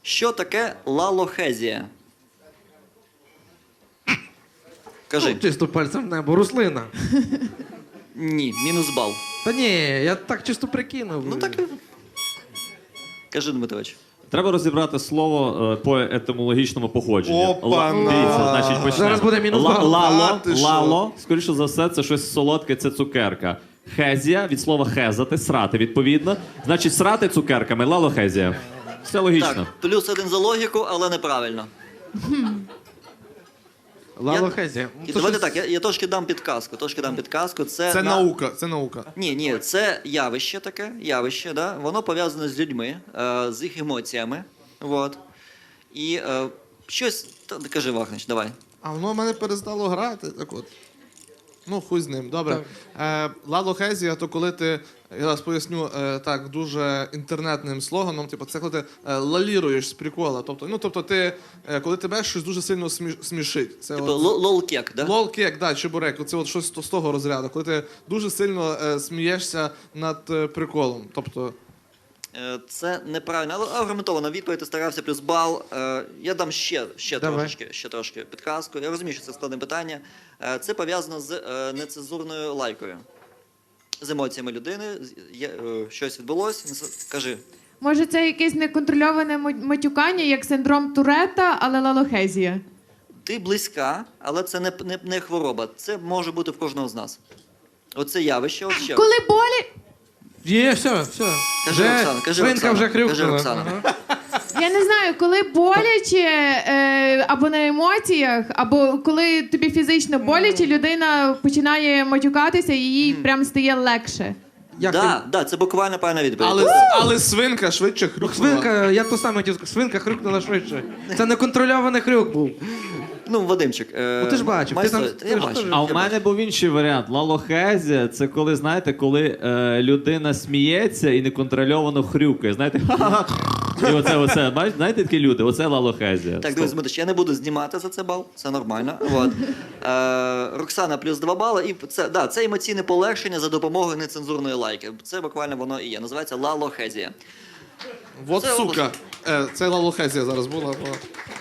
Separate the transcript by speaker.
Speaker 1: Що таке лалохезія? Кажи.
Speaker 2: Чисто пальцем в небо, рослина.
Speaker 1: Ні, мінус бал.
Speaker 2: Та ні, я так чисто прикинув.
Speaker 1: Ну так. Кажи, Дмитрович.
Speaker 3: Треба розібрати слово по етимологічному походженню.
Speaker 4: Опа-на!
Speaker 3: Дивіться, значить, почнемо.
Speaker 2: Зараз буде мінус бал.
Speaker 3: Лало, скоріше за все, це щось солодке, це цукерка. Хезія, від слова хезати, срати, відповідно. Значить, срати цукерками, лалохезія. Все логічно.
Speaker 1: Так, плюс 1 за логіку, але неправильно.
Speaker 2: Лалохезія.
Speaker 1: І давайте так, я трошки дам підказку.
Speaker 4: Це наука, це наука.
Speaker 1: Ні, це явище таке, да? Воно пов'язане з людьми, з їх емоціями. Вот. І щось. Кажи, Вахнич, давай.
Speaker 4: А воно в мене перестало грати, так от. Ну, хуй з ним, добре. Лалохезія, то коли ти, я зараз поясню так, дуже інтернетним слоганом, типу, це коли ти лаліруєш з прикола. Тобто ти, коли тебе щось дуже сильно смішить. Це
Speaker 1: Типу лол-кек, да?
Speaker 4: лол-кек, да, чебурек, це от щось з того розряду, коли ти дуже сильно смієшся над приколом. Тобто,
Speaker 1: Це неправильно, але аргументована відповідь, ти старався, плюс бал. Я дам ще трошки підказку. Я розумію, що це складне питання. Це пов'язано з нецензурною лайкою. З емоціями людини. Щось відбулося. Кажи.
Speaker 5: Може, це якесь неконтрольоване матюкання, як синдром Туретта, але лалохезія?
Speaker 1: Ти близька, але це не хвороба. Це може бути в кожного з нас. Оце явище. От ще.
Speaker 5: Коли болі...
Speaker 2: Є, все.
Speaker 1: Кажи, Оксана, кажи,
Speaker 2: Свинка
Speaker 1: Оксана.
Speaker 2: вже
Speaker 1: Кажи,
Speaker 2: хрюкнула.
Speaker 1: Оксана.
Speaker 2: Ага.
Speaker 5: Я не знаю, коли боляче, або на емоціях, або коли тобі фізично боляче, людина починає матюкатися і їй прям стає легше.
Speaker 2: Як
Speaker 1: Да, це буквально правильна відповідь.
Speaker 4: але свинка швидше
Speaker 2: ти-
Speaker 4: хрюкнула.
Speaker 2: Свинка, я то саме хотів сказати, свинка хрюкнула швидше. Це неконтрольований хрюк був.
Speaker 1: Ну, Вадимчик.
Speaker 2: ти ж бачив, ти там-
Speaker 1: Я
Speaker 2: ти ж
Speaker 1: бачив.
Speaker 2: теж-
Speaker 3: А в мене був інший варіант. Лалохезія – це коли, знаєте, коли людина сміється і неконтрольовано хрюкає. Знаєте, і оце, бачите, знаєте такі люди? Оце лалохезія.
Speaker 1: Так, друзі, Дмитрич, я не буду знімати за це бал, це нормально. Вот. Роксана плюс 2 бали. І це емоційне полегшення за допомогою нецензурної лайки. Це буквально воно і є. Називається лалохезія.
Speaker 4: Вот
Speaker 1: Це
Speaker 4: сука. Це лалохезія зараз була.